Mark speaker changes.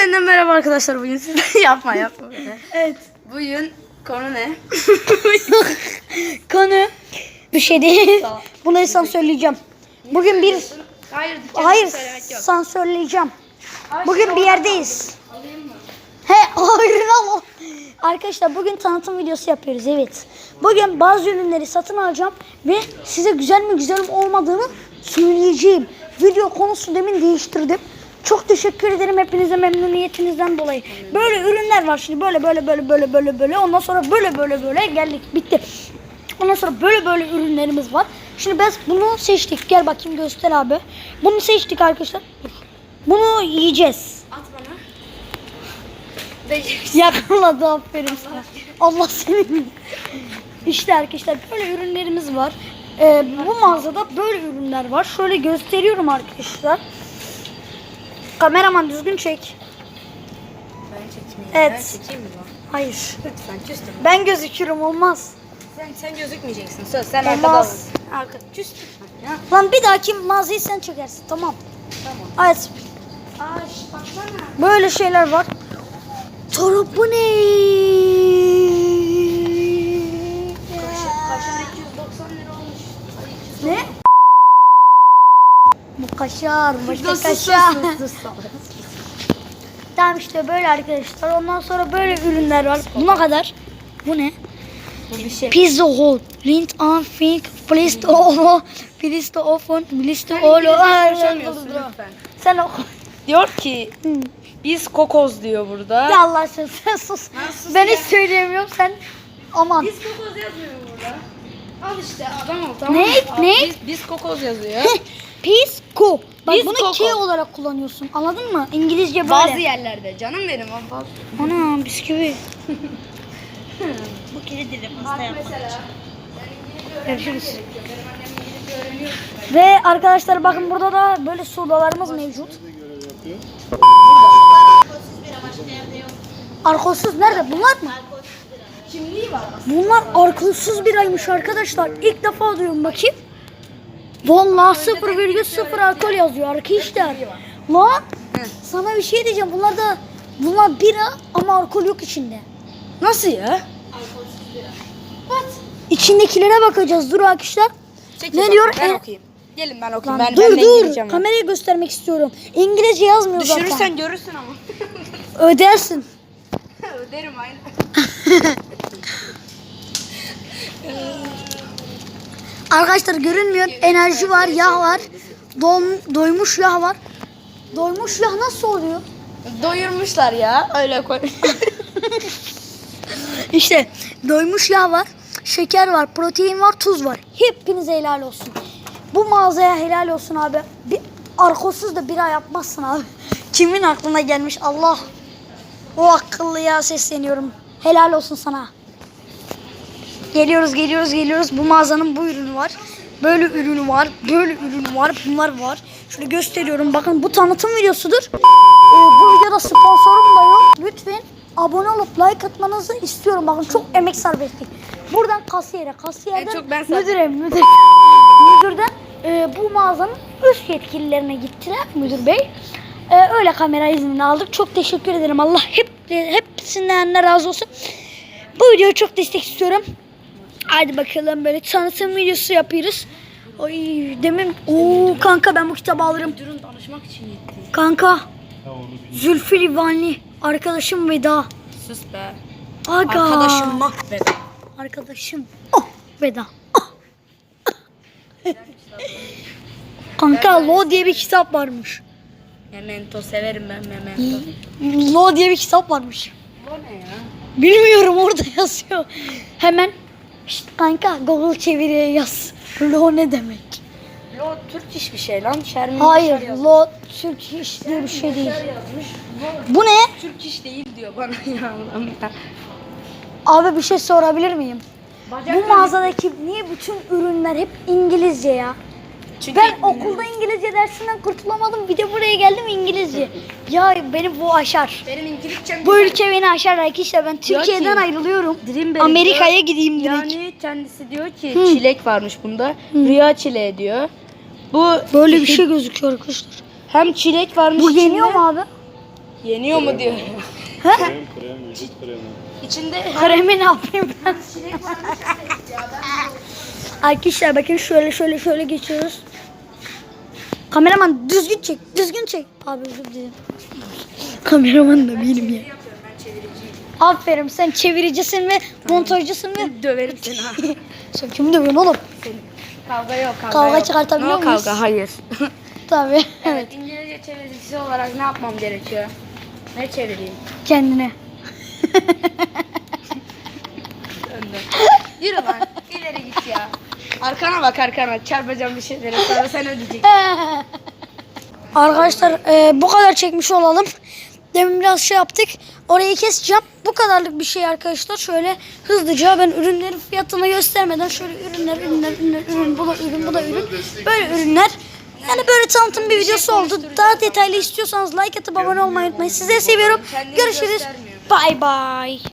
Speaker 1: Yeniden merhaba arkadaşlar, bugün size yapma.
Speaker 2: Evet.
Speaker 1: Bugün konu ne?
Speaker 2: Konu bir şey değil. Bunu sansürleyeceğim. Bugün bir hayır sansürleyeceğim. Bugün bir yerdeyiz. He, hayır al. Arkadaşlar bugün tanıtım videosu yapıyoruz, evet. Bugün bazı ürünleri satın alacağım ve size güzel mi güzel mi olmadığını söyleyeceğim. Video konusu demin değiştirdim. Çok teşekkür ederim hepinize memnuniyetinizden dolayı. Böyle ürünler var şimdi, böyle. Ondan sonra böyle geldik, bitti. Ondan sonra böyle ürünlerimiz var. Şimdi biz bunu seçtik. Gel bakayım, göster abi. Bunu seçtik arkadaşlar. Bunu yiyeceğiz.
Speaker 1: At bana.
Speaker 2: Yakaladı, aferin sana. Allah seni. İşte arkadaşlar böyle ürünlerimiz var. Bu mağazada böyle ürünler var. Şöyle gösteriyorum arkadaşlar. Kameraman düzgün çek.
Speaker 1: Ben çekmeyeyim.
Speaker 2: Evet.
Speaker 1: Ben çekeyim mi bu?
Speaker 2: Hayır.
Speaker 1: Lütfen küstüm.
Speaker 2: Ben gözükürüm, olmaz.
Speaker 1: Sen gözükmeyeceksin. Söz. Sen arkada ol.
Speaker 2: Olmaz.
Speaker 1: Arka. Küstüm. Ya.
Speaker 2: Lan bir dahaki mağazayı sen çekersin, tamam.
Speaker 1: Tamam.
Speaker 2: Evet.
Speaker 1: Baksana.
Speaker 2: Böyle şeyler var. Bu ne?
Speaker 1: Kaşar 290 lira olmuş.
Speaker 2: Ne? Bu kaşar, başka
Speaker 1: Sus.
Speaker 2: kaşar. Tamam işte böyle arkadaşlar. Ondan sonra böyle ürünler var. Buna kadar. Bu ne?
Speaker 1: Bu bir şey.
Speaker 2: Pizza Hut. Lint on fink. Please to all. Please to open. Please to all.
Speaker 1: Konuşamıyorsun lütfen.
Speaker 2: Sen oku.
Speaker 1: Diyor ki biz kokoz diyor burada.
Speaker 2: Ya Allah aşkına sen sus.
Speaker 1: sus
Speaker 2: Ben
Speaker 1: ya.
Speaker 2: hiç söyleyemiyorum, sen aman.
Speaker 1: Biz kokoz yazmıyor burada. Al işte adam ol, tamam
Speaker 2: Ne?
Speaker 1: mı? Al,
Speaker 2: Ne?
Speaker 1: Biz kokoz yazıyor.
Speaker 2: Pisco. Bak
Speaker 1: Biz
Speaker 2: bunu
Speaker 1: Coco.
Speaker 2: K olarak kullanıyorsun. Anladın mı? İngilizce böyle.
Speaker 1: Bazı yerlerde canım benim.
Speaker 2: Ana bisküvi.
Speaker 1: Bu kedidir pasta yapmak. Mesela.
Speaker 2: Görüşürüz. Ve arkadaşlar bakın burada da böyle sodalarımız mevcut. Alkolsüz nerede? Bunlar mı?
Speaker 1: Kimliği var aslında.
Speaker 2: Bunlar alkolsüz biraymış arkadaşlar. İlk defa duyuyorum, bakayım. Vallahi 0,0 alkol yazıyor arkadaşlar. Lan sana bir şey diyeceğim. Bunlar bira ama alkol yok içinde.
Speaker 1: Nasıl ya?
Speaker 2: İçindekilere bakacağız. Dur arkadaşlar.
Speaker 1: Çekil
Speaker 2: Ne
Speaker 1: bak,
Speaker 2: diyor?
Speaker 1: Ben okuyayım. Gelin ben okuyayım.
Speaker 2: Lan
Speaker 1: Ben
Speaker 2: dur
Speaker 1: de
Speaker 2: dur.
Speaker 1: İngilizcem var.
Speaker 2: Kamerayı göstermek istiyorum. İngilizce yazmıyor zaten.
Speaker 1: Düşürürsen görürsün ama.
Speaker 2: Ödersin.
Speaker 1: Öderim aynen.
Speaker 2: Arkadaşlar görünmüyor. Enerji var, yağ var. Doymuş yağ var. Doymuş yağ nasıl oluyor?
Speaker 1: Doyurmuşlar ya. Öyle koy.
Speaker 2: İşte doymuş yağ var, şeker var, protein var, tuz var. Hepinize helal olsun. Bu mağazaya helal olsun abi. Bir alkolsüz de bira yapmazsın abi. Kimin aklına gelmiş Allah. O akıllıya sesleniyorum. Helal olsun sana. Geliyoruz. Bu mağazanın bu ürünü var. Böyle ürünü var. Böyle ürünü var. Bunlar var. Şunu gösteriyorum. Bakın bu tanıtım videosudur. Bu videoda sponsorum da yok. Lütfen abone olup like atmanızı istiyorum. Bakın çok emek sarf ettik. Buradan kasiyerden
Speaker 1: çok ben sarf
Speaker 2: müdürden bu mağazanın üst yetkililerine gittiler, müdür bey. Öyle kamera iznini aldık. Çok teşekkür ederim. Allah hepsinden razı olsun. Bu videoyu çok destek istiyorum. Hadi bakalım, böyle tanıtım videosu yapıyoruz. Oy demin kanka ben bu kitabı alırım.
Speaker 1: Müdürün danışmak için gitti.
Speaker 2: Kanka Zülfü Livaneli arkadaşım veda.
Speaker 1: Sus be.
Speaker 2: Aga.
Speaker 1: Arkadaşım mahveder.
Speaker 2: Arkadaşım. Veda. Kanka Lo diye bir kitap varmış.
Speaker 1: Memento severim ben Memento.
Speaker 2: Lo diye bir kitap varmış.
Speaker 1: Bu ne ya?
Speaker 2: Bilmiyorum, orada yazıyor. Hemen işte kanka Google çeviriye yaz. Lo ne demek?
Speaker 1: Lo Türk iş bir şey lan. Şermin
Speaker 2: Hayır,
Speaker 1: Yaşar yazmış.
Speaker 2: Lo Türk iş diye bir şey değil.
Speaker 1: Yaşar yazmış.
Speaker 2: Bu ne?
Speaker 1: Türk iş değil diyor bana ya. Allah'ım ya.
Speaker 2: Abi bir şey sorabilir miyim?
Speaker 1: Bacak
Speaker 2: Bu mağazadaki niye bütün ürünler hep İngilizce ya?
Speaker 1: Çünkü
Speaker 2: Ben okulda İngilizce dersinden kurtulamadım. Bir de buraya geldim İngilizce. Ya beni bu aşar.
Speaker 1: benim İngilizcem
Speaker 2: Bu ülke beni aşar arkadaşlar. Ben Türkiye'den
Speaker 1: ki,
Speaker 2: ayrılıyorum.
Speaker 1: Dreamberry
Speaker 2: Amerika'ya
Speaker 1: diyor.
Speaker 2: gideyim direkt.
Speaker 1: Yani kendisi diyor ki çilek varmış bunda. Rüya çileği diyor. Bu
Speaker 2: Böyle bir şey gözüküyor arkadaşlar.
Speaker 1: hem çilek varmış
Speaker 2: Bu
Speaker 1: içinde.
Speaker 2: yeniyor mu abi?
Speaker 1: Yeniyor mu diyor.
Speaker 2: Ha?
Speaker 3: Krem, vücut kremi.
Speaker 1: İçinde
Speaker 2: Kremi ne yapayım ben?
Speaker 1: çilek varmış ya.
Speaker 2: Arkadaşlar bakın şöyle geçiyoruz. Kameraman düzgün çek. Abi özür dilerim. Kameraman da benim ya. Aferin, sen çeviricisin ve montajcısın ve
Speaker 1: Döverim seni ha.
Speaker 2: sen kimi dövüyorsun oğlum?
Speaker 1: Kavga yok.
Speaker 2: Kavga
Speaker 1: yok.
Speaker 2: çıkartabiliyor
Speaker 1: No
Speaker 2: muyuz?
Speaker 1: kavga hayır.
Speaker 2: Tabii.
Speaker 1: Evet, İngilizce çeviricisi olarak ne yapmam gerekiyor? Ne çevireyim?
Speaker 2: Kendine.
Speaker 1: Önden. Yürü lan. İleri git ya. Arkana bak arkana. Çarpacağım bir şeyleri. Sonra sen ödeyeceksin.
Speaker 2: Arkadaşlar bu kadar çekmiş olalım. Demin biraz şey yaptık. Orayı keseceğim. Bu kadarlık bir şey arkadaşlar. Şöyle hızlıca ben ürünlerin fiyatını göstermeden şöyle ürün, bu da ürün. Böyle ürünler. Yani böyle tanıtım bir videosu oldu. Daha detaylı istiyorsanız like atıp abone olmayı unutmayın. Sizleri seviyorum.
Speaker 1: Kendini
Speaker 2: Görüşürüz.
Speaker 1: göstermiyor.
Speaker 2: Bye bye.